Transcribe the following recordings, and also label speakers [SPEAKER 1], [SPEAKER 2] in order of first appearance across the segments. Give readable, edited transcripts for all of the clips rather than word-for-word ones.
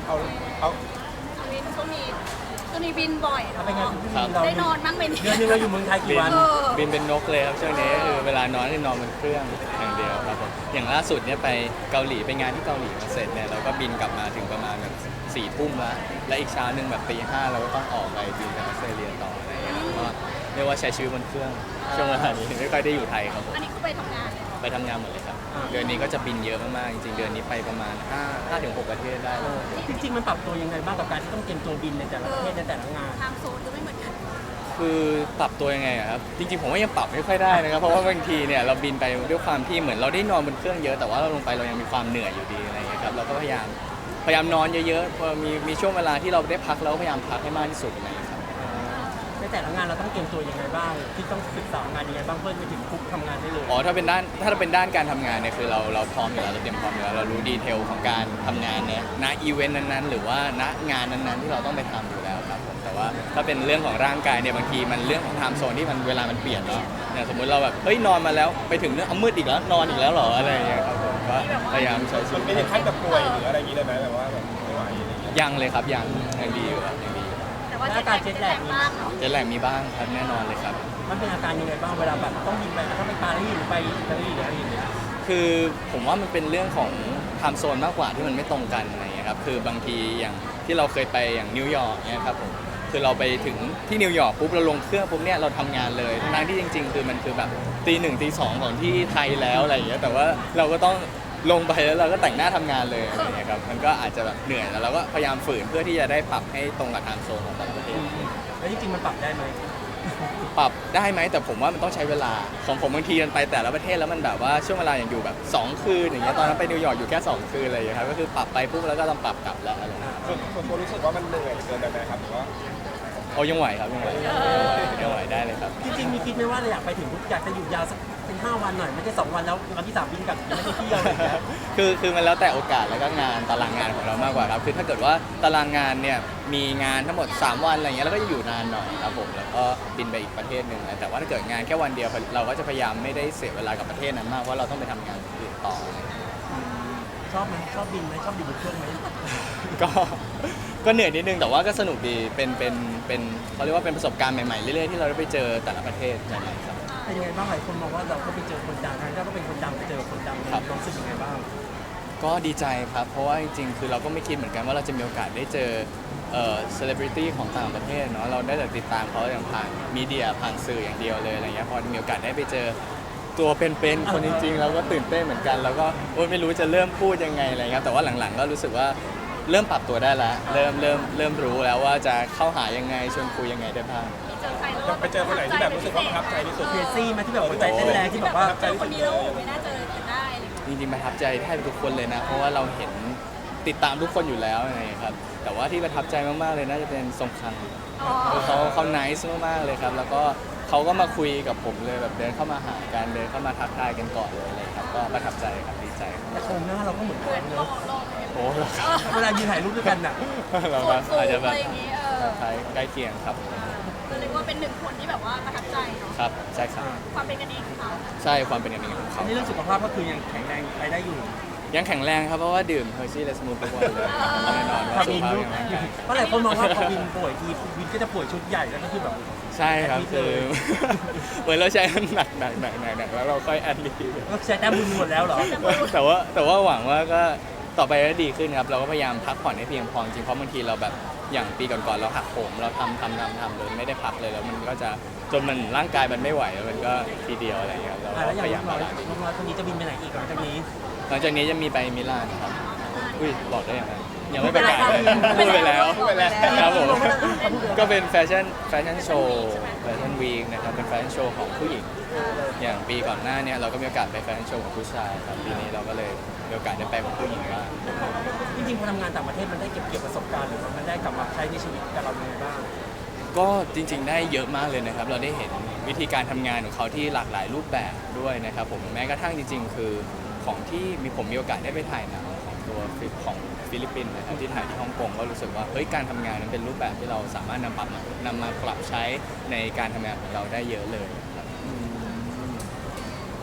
[SPEAKER 1] เอาเอา
[SPEAKER 2] วินช่วงนี้บินบ่อยเนาะ
[SPEAKER 1] เป็นไงคุณพี่เรา
[SPEAKER 2] ได้นอนบ้างไหมเนี่ย
[SPEAKER 1] เดือนนึงเราอยู่เมืองไทยกี่วัน
[SPEAKER 3] บินเป็นนกเลยครับช่วงนี้คือเวลานอนนี่นอนบนเครื่องอย่างเดียวครับผมอย่างล่าสุดเนี่ยไปเกาหลีไปงานที่เกาหลีมาเสร็จเนี่ยเราก็บินกลับมาถึงประมาณแบบ4 ทุ่มแล้วและอีกเช้าหนึ่งแบบตี 5เราก็ต้องออกไปบินไปออสเตรเลียต่ออะไรอย่างเงี้ยก็เรียกว่าใช้ชีวิตบนเครื่องช่วงเวลานี้ไม่ค่อยได้อยู่ไทยครับผม
[SPEAKER 2] อันนี้คือไปทำงานเลยเหรอ
[SPEAKER 3] ไปทำงานหมดเลยครับเดือนนี้ก็จะบินเยอะมากๆจริงๆเดือนนี้ไปประมาณ5 ถึง 6 ประเทศได้เลย
[SPEAKER 1] จริงๆมันปรับตัวยังไงบ้างกับการที่ต้องเตรียมตัวบินในแต่ละประเทศในแต่ละงาน
[SPEAKER 2] ไทม์โซนก็ไม่เหมือนกัน
[SPEAKER 3] คือปรับตัวยังไงอะครับจริงๆผมว่ายังปรับไม่ค่อยได้นะครับเพราะว่าบางทีเนี่ยเราบินไปด้วยความที่เหมือนเราได้นอนบนเครื่องเยอะแต่ว่าเราลงไปเรายังมีความเหนื่อยอยู่ดีอะไรอย่างเงี้ยครับเราก็พยายามนอนเยอะๆพอมีช่วงเวลาที่เราได้พักเราก็พยายามพักให้มากที่สุดอะไรอย่างเงี้ยครับ
[SPEAKER 1] ในแต่ละงานเราต้องเตรียมตัวยังไงบ้างที่ต้องศึกษางานยังไงบ้างเพื่อไปถึงคุกทำงานได้เลย
[SPEAKER 3] อ๋อถ้าเป็นด้านการทำงานเนี่ยคือเราพร้อมอยู่แล้วเราเตรียมพร้อมอยู่แล้วเรารู้ดีเทลของการทำงานเนี่ยณอีเวนต์นั้นๆหรือว่าณงานนั้นๆที่เราต้องไปทำอยู่แล้วครับผมแต่ว่าถ้าเป็นเรื่องของร่างกายเนี่ยบางทีมันเรื่องของไทม์โซนที่มันเวลามันเปลี่ยนเนาะเนี่ยสมมติเราแบบเฮ้ยนอนมาแล้วไปถึงเนี่ยเอามืดอีกแล้วนอนอีกแล้วเหรออะไรอย่างเงี้ยครับผมก็พยายามใช้ชี
[SPEAKER 4] มั
[SPEAKER 3] วิ
[SPEAKER 4] น
[SPEAKER 3] ต
[SPEAKER 4] ไม่ได้ขั้นแบบป่วยหรืออะไรอย่างนี้เลยไหมแบบว่าแบบไม่ไหวอะไรอย่างเงี้ย
[SPEAKER 3] ยังเลยครับยังดีอยู่ครับยังดีอยู่
[SPEAKER 2] แต่ว่าเจ็ตแลกมากเนาะ
[SPEAKER 3] เจ็ตแลกมีบ้างครับแน่นอนเลยครับ
[SPEAKER 1] มันเป็นอาการยังไงบ้างเวลาแบบต้องบินไปถ้าไปปารีสหรือไปอิตาลีหรืออะไรอย่างเงี้ย
[SPEAKER 3] คือผมว่ามันเป็นเรื่องของไทม์โซนมากกว่าที่มันไม่ตรงกันอะไรอย่างเงี้ยครับคือบางทีอย่างที่เราเคยไปอย่างนิวยอร์กเนี่ยครับผมคือเราไปถึงที่นิวยอร์กปุ๊บเราลงเครื่องปุ๊บเนี่ยเราทำงานเลยทั้งที่จริงๆคือมันคือแบบตี 1ตี 2ของที่ไทยแล้วอะไรอย่างเงี้ยแต่ว่าเราก็ต้องลงไปแล้วเราก็แต่งหน้าทำงานเลยอะไรอย่างเงี้ยครับมันก็อาจจะแบบเหนื่อยแล้วเราก็พยายามฝืนเพื่อที่จะได้ปรับให้ตรงกับไทม์โซนของแต่ละประเทศ
[SPEAKER 1] แล้วจริงๆมันปรับได้ไหม
[SPEAKER 3] ปรับได้ไหมแต่ผมว่ามันต้องใช้เวลาของผมบางทีมันไปแต่ละประเทศแล้วมันแบบว่าช่วงเวลาอย่างอยู่แบบ2 คืนอย่างเงี้ยตอนนั้นไปนิวยอร์กอยู่แค่2 คืนอะไรอย่างเงี้ยครับก็คือปรับไปปุ๊บแล้วก็ต้องปรับกลับแล้วอะไรอย่างเงี้ย
[SPEAKER 4] ส่วนตัวรู้สึกว่ามันเหนื่อยเกินไปไหมครับหรือว่า
[SPEAKER 3] โอ้ยังไหวครับยังไหวได้เลยครับ
[SPEAKER 1] จริงๆมีคิดไหมว่าเราอยากไปถึงปุ๊บอยากจะอยู่ยาวสักเป็น5 วันหน่อยไม่ใช่2 วันแล้ววันที่3บินกลับไม่ได้เที่ยวอะไรอย่างเงี้ย
[SPEAKER 3] คือมันแล้วแต่โอกาสแล้วก็งานตารางงานของเรามากกว่าครับคือถ้าเกิดว่าตารางงานเนี่ยมีงานทั้งหมด3 วันอะไรเงี้ยเราก็จะอยู่นานหน่อยครับผมแล้วก็บินไปอีกประเทศหนึ่งนะแต่ว่าถ้าเกิดงานแค่วันเดียวเราก็จะพยายามไม่ได้เสียเวลากับประเทศนั้นมากเพราะเราต้องไปทำงานอื่นต่อ
[SPEAKER 1] ชอบไหมชอบบินไหมชอบบินบนเครื่องไหม
[SPEAKER 3] ก็เหนื่อยนิดนึงแต่ว่าก็สนุกดีเป็นเขาเรียกว่าเป็นประสบการณ์ใหม่ๆเรื่อยๆที่เราได้ไปเจอแต่ละประเทศใหม่ๆครับ
[SPEAKER 1] เป็นยังไงบ้างหลายคนมองว่าเราก็ไปเจอคนดังเราก็เป็นคนดังไปเจอคนดัง
[SPEAKER 3] ครับ
[SPEAKER 1] รู้สึกยังไงบ้าง
[SPEAKER 3] ก็ดีใจครับเพราะว่าจริงๆคือเราก็ไม่คิดเหมือนกันว่าเราจะมีโอกาสได้เจอเซเลบริตี้ของต่างประเทศเนาะเราได้แต่ติดตามเขาอย่างผ่านมีเดียผ่านสื่ออย่างเดียวเลยอะไรเงี้ยพอมีโอกาสได้ไปเจอตัวเป็นๆคนจริงๆเราก็ตื่นเต้นเหมือนกันแล้วก็โอ๊ยไม่รู้จะเริ่มพูดยังไงอะไรเงี้ยแต่ว่าหลังๆก็รู้สึกว่าเริ่มปรับตัวได้แล้วเริ่มรู้แล้วว่าจะเข้าหายังไงชวนคุยยังไงได้บ้าง
[SPEAKER 2] มีเจอใครแล้ว
[SPEAKER 4] ไปเจอคนไหนที่แบบรู้สึกว่าประทับใจที่สุด
[SPEAKER 1] เคซี่มาที่แบบหัวใจเต้นแรงที่แบบว่า
[SPEAKER 2] เจอคนนี้แล้วไม่น่าเจอกันได้อะไรอย่างเงี้ย
[SPEAKER 3] จริงๆประทับใจแทบทุกคนเลยนะเพราะว่าเราเห็นติดตามทุกคนอยู่แล้วอะไรอย่างเงี้ยครับแต่ว่าที่ประทับใจมากๆเลยน่าจะเป็นทรงคัง
[SPEAKER 2] อ๋อ
[SPEAKER 3] เขา nice มากๆเลยครับแล้วก็เขาก็มาคุยกับผมเลยแบบเดินเข้ามาหากันเดินเข้ามาทักทายกันก่อนเลยอะไรครับก็ประทับใจครับดีใจครับ
[SPEAKER 1] แต่โครงหน้าเราก็เหมือน
[SPEAKER 2] เห
[SPEAKER 1] กั
[SPEAKER 2] มือน น
[SPEAKER 1] เน
[SPEAKER 2] หล่
[SPEAKER 1] อะ
[SPEAKER 2] อ
[SPEAKER 3] โอ้เราครับ
[SPEAKER 1] เวลายืนถ่ายรูปด้วยกันน่ะ
[SPEAKER 3] เรา
[SPEAKER 2] ส่วนสูง
[SPEAKER 3] อาจจะแบบ
[SPEAKER 2] อะไรอย่างเงี้ย
[SPEAKER 3] คล้ายใกล้เคียงครับ
[SPEAKER 2] ก็เรียกว่าเป็นหนึ่งคนที่แบบว่าประทับใจเนาะ
[SPEAKER 3] ครับใช่ครับ
[SPEAKER 2] ความเป็นกันเองของเขา
[SPEAKER 3] ใช่ความเป็นอย่างนี้ของ
[SPEAKER 1] อั
[SPEAKER 3] เขา
[SPEAKER 1] นนี้เรื่องสุขภาพก็คือยังแข็งแรงไปได้อยู่
[SPEAKER 3] ยังแข็งแรงครับเพราะว่าดื่มเฮอร์ชี่และสมูททุกวันเลยแน่นอนว่า
[SPEAKER 1] พา
[SPEAKER 3] สุ
[SPEAKER 1] วิ
[SPEAKER 3] ข
[SPEAKER 1] น
[SPEAKER 3] ภาพ
[SPEAKER 1] ลูก
[SPEAKER 3] แข็งแรง
[SPEAKER 1] เพราะหลายคนมองว่าพอวินป่วยทีวินก็จะป่วยชุดใหญ่แล้วก็คือแบบ
[SPEAKER 3] ใช่ครับคือ เหมือนเราใช้มันหนักแล้วเราค่อยแอดลิฟ
[SPEAKER 1] ก็ใช้แต้มบุญหมดแล้วเหรอ
[SPEAKER 3] แต่ว่าหวังว่าก็ต่อไปก็ดีขึ้นครับเราก็พยายามพักผ่อนให้เพียงพอจริงเพราะบางทีเราแบบอย่างปีก่อนๆเราหักโหมเราทำเลยไม่ได้พักเลยแล้วมันก็จะจนมันร่างกายมันไม่ไหวแล้วมันก็ทีเดียวอะไรอย่างเงี้ยครับเรา
[SPEAKER 1] แล้วอ
[SPEAKER 3] พ
[SPEAKER 1] ย่าง
[SPEAKER 3] ยายาม
[SPEAKER 1] น้
[SPEAKER 3] บา
[SPEAKER 1] อย
[SPEAKER 3] ลานซ์
[SPEAKER 1] น้อยคนนี้จะบินไปไหนอีกหลังจากนี้
[SPEAKER 3] หลังจากนี้จะมีไปมิลานครับอุ้ยบอกได้ยังไงยังไม่ประกาศเลย
[SPEAKER 1] พู
[SPEAKER 3] พูด
[SPEAKER 1] ด
[SPEAKER 3] ไป
[SPEAKER 1] ไปแล้
[SPEAKER 3] แล้ว
[SPEAKER 1] ว
[SPEAKER 3] ครับผมก็เป็นแฟชั่นโชว์แฟชั่นวีคนะครับเป็นแฟชั่นโชว์ของผู้หญิง อย่างปีก่อนหน้าเนี่ยเราก็มีโอกาสไปแฟชั่นโชว์ของผู้ชายครับปีนี้เราก็เลยมีโอกาสได้ไปของผู้หญิงบ้าง
[SPEAKER 1] จริงๆพอทำงานต่างประเทศมันได้เก็บเกี่ยวประสบการณ์หรือว่ามันได้กลับมาใช้ในชีวิตกับเรายังไงบ้าง
[SPEAKER 3] ก็จริงๆได้เยอะมากเลยนะครับเราได้เห็นวิธีการทำงานของเขาที่หลากหลายรูปแบบด้วยนะครับผมแม้กระทั่งจริงๆ คือของที่ผมมีโอกาสได้ไปถ่ายหนังของตัวของฟิลิปปินส์นะครับที่ถ่ายที่ฮ่องกงก็รู้สึกว่าเฮ้ยการทำงานนั้นเป็นรูปแบบที่เราสามารถนำมาปรับใช้ในการทำงานของเราได้เยอะเลยครับ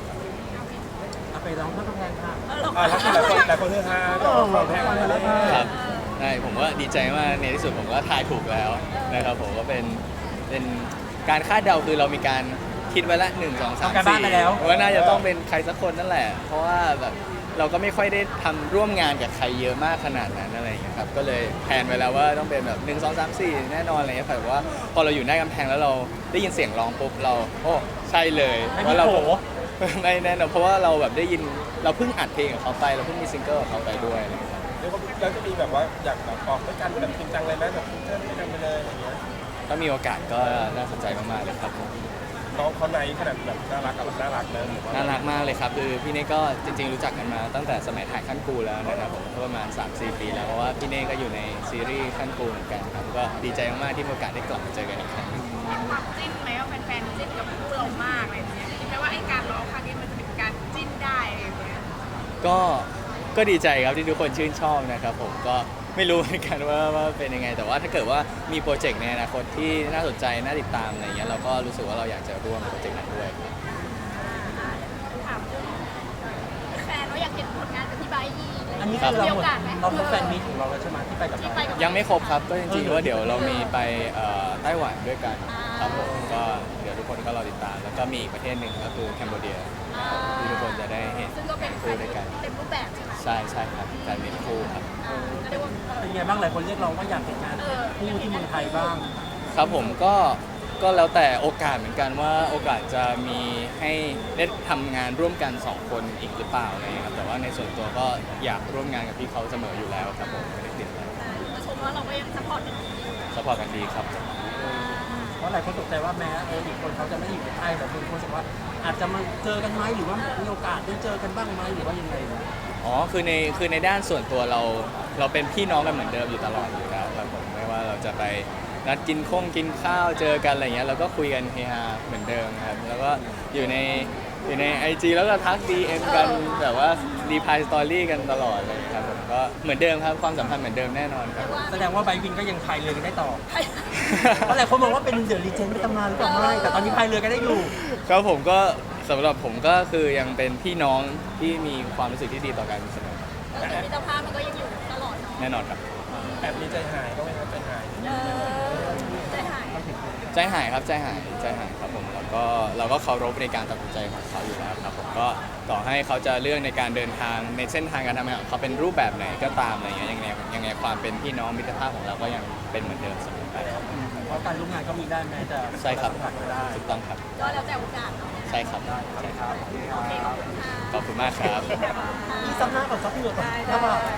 [SPEAKER 1] เอาไปร้องข้าวกำแพงค่ะ
[SPEAKER 4] แล้วหลายคนฮือฮากับความแพงอะไร
[SPEAKER 3] ครับช่ผมก็ดีใจมากในที่สุดผมก็ทายถูกแล้วนะครับผมก็เป็นการคาดเดาคือเรามีการคิดไว้ละ1 2 3
[SPEAKER 1] ทำการบ้านไปแล้ว
[SPEAKER 3] 4ว่าน่าจะต้องเป็นใครสักคนนั่นแหละ เพราะว่าแบบเราก็ไม่ค่อยได้ทำร่วมงานกับใครเยอะมากขนาดนั้นอะไรอย่างเงี้ยครับก็เลยแพลนไว้แล้วว่าต้องเป็นแบบ1 2 3 4แน่นอนอะไรเงี้ยแต่ว่าพอเราอยู่หน้ากำแพงแล้วเราได้ยินเสียงร้องปุ๊บเราโอ้ใช่เลย
[SPEAKER 1] ไม่
[SPEAKER 3] เพ
[SPEAKER 1] มี
[SPEAKER 3] ราะเรา
[SPEAKER 1] โผ
[SPEAKER 3] ไม่แน่นอนเพราะว่าเราแบบได้ยินเราเพิ่งอัดเพลงกับเขาไปเราเพิ่งมีซิงเกิลกับเขาไปด้วยอะไรอย่างเงี้ยครับ
[SPEAKER 4] แล้วก็แล้วจะมีแบบว่าอยากแบบออกด้วยกันแบบจริงจังเลยไหมแบบเพื่อนด้วยกันไปเลยอะไรเงี้ย
[SPEAKER 3] ถ้ามีโอกาสก็น่าสนใจมากๆเลยครับผม
[SPEAKER 4] น้องเขาในขนาดแบบน่ารักกับแบบน่ารักนะหรือว่า
[SPEAKER 3] น่ารักมากเลยครับคือพี่เน่ก็จริงๆรู้จักกันมาตั้งแต่สมัยถ่ายขั้นกูแล้วนะครับผมก็ประมาณ 3-4 ปีแล้วเพราะว่าพี่เน่ก็อยู่ในซีรีส์ขั้นกูเหมือนกันครับก็ดีใจมากๆที่มีโอกาสได้กลับมาเจอกันอีกครั้งหนึ่ง
[SPEAKER 2] มีความจิ้นไหมว่าแฟนๆจิ้นกับพวกเรามากอะไรอย่างเงี้ยคิดไหมว่าไอ้การร้องครั้งนี้มันจะเป็นการจิ้นได้อะไรอย่างเงี้ย
[SPEAKER 3] ก็ดีใจครับที่ทุกคนชื่นชอบนะครับผมก็ไม่รู้เหมือนกันว่าเป็นยังไง แต่ว่าถ้าเกิดว่ามีโปรเจกต์ในอนาคตที่น่าสนใจน่าติดตามอะไรเงี้ยเราก็รู้สึกว่าเราอยากจะร่วมโปรเจกต์นั้นด้วย
[SPEAKER 2] ถามเรื่องแฟนว่าอยากเห็นผลงานกับพี่ไบร์ทอีก
[SPEAKER 1] อันนี้
[SPEAKER 3] ครั
[SPEAKER 1] คื
[SPEAKER 3] บ
[SPEAKER 1] อ
[SPEAKER 2] มี
[SPEAKER 1] เรา
[SPEAKER 2] โอกาสไหม
[SPEAKER 1] เราครบแฟนมีตของเราแล้วใช่ไหมที่ไปกับ
[SPEAKER 2] ที่
[SPEAKER 1] เรา
[SPEAKER 2] ไปกับ
[SPEAKER 3] ยังไม่ครบครับก็จริงๆว่าเดี๋ยวเรามีไปไต้หวันด้วยกันครับผมก็เดี๋ยวทุกคนก็รอติดตาม แล้วก็มีอีกประเทศหนึ่งก็คือแคนเบเดียที่ทุกคนจะได้เห็น
[SPEAKER 2] ซึ่งก็เป็นแฟ
[SPEAKER 3] คู่
[SPEAKER 2] น
[SPEAKER 3] ด้วยกัน
[SPEAKER 2] เต็มรูปแบบใช่ไหม
[SPEAKER 3] ใช่ครับการเป็นคู่ครับ
[SPEAKER 2] ก็เรียกว่า
[SPEAKER 1] เป็นไงบ้างหลายคนเรียกร้องว่าอยากเห็นงานคู่ที่เมืองไทยบ้าง
[SPEAKER 3] ครับผมก็แล้วแต่โอกาสเหมือนกันว่าโอกาสจะมีให้ได้ทำงานร่วมกัน2คนอีกหรือเปล่าอะไรอย่างเงี้ยครับแต่ว่าในส่วนตัวก็อยากร่วมงานกับพี่เขาเสมออยู่แล้วครับผมไม่ได้ติดอะไร
[SPEAKER 2] มาชมว่าเราก็ยังซัพพอร์ตกันอยู่
[SPEAKER 3] สปอร์ตกันดีครับ
[SPEAKER 1] เพราะหลายคนตกใจว่าแม้อีกคนเขาจะไม่ได้อยู่ในไทยแต่คนรู้สึกว่าอาจจะมาเจอกันไหมหรือว่ามีโอกาสได้เจอกันบ้างไหมหรือว่ายังไงนะ
[SPEAKER 3] อ๋อคือในด้านส่วนตัวเราเป็นพี่น้องกันเหมือนเดิมอยู่ตลอดอยู่แล้วครับผมไม่ว่าเราจะไปนัดกินข้าวเจอกันอะไรเงี้ยเราก็คุยกันเฮฮาเหมือนเดิมครับแล้วก็อยู่ใน IG แล้วก็ทัก DM กันแบบว่ารีพายสตอรี่กันตลอดเลยครับผมก็เหมือนเดิมครับความสัมพันธ์เหมือนเดิมแน่นอนครับ
[SPEAKER 1] แสดงว่าไบวินก็ยังพายเรือกันได้ต่อ เพราะหลายคนมองว่าเป็นเดอะลีเจนด์ในตำนานหรือเปล่าไม่แต่ตอนนี้พายเรือกันได้อยู่
[SPEAKER 3] ครับผมก็สำหรับผมก็คือยังเป็นพี่น้องที่มีความรู้สึกที่ดีต่อกันเสมอ
[SPEAKER 2] แต่มิตรภาพมันก็ยังอยู่ตลอดเนาะ
[SPEAKER 3] แน่นอนครับ
[SPEAKER 4] แอบมีใจหายก็ไม่ครับใจหาย
[SPEAKER 2] ใจหาย
[SPEAKER 3] ใจหายครับใจหายครับผมแล้วก็เราก็เคารพในการตัดสินใจของเขาอยู่แล้วครับผมก็ต่อให้เขาจะเลือกในการเดินทางในเส้นทางการทำงานของเขาเป็นรูปแบบไหนก็ตามอะไรเงี้ยยังไงความเป็นพี่น้องมิตรภาพของเราก็ยังเป็นเหมือนเดิมเสมอไปครับ
[SPEAKER 1] เพราะการร่วมงานก็มีได้แม้จะ
[SPEAKER 3] ใช่ครับ
[SPEAKER 1] ผ่านก็ได้
[SPEAKER 3] ถูกต้องครับ
[SPEAKER 2] ก็แล้วแต่โอกาสเนาะ
[SPEAKER 3] ใช่ครับ
[SPEAKER 1] ใช่ครับ
[SPEAKER 2] โอเคขอบคุณค่ะ
[SPEAKER 3] ขอบคุณมากครับ
[SPEAKER 1] อีซับหน้าก่อนซับเหงื่อก่อนถ้าว่า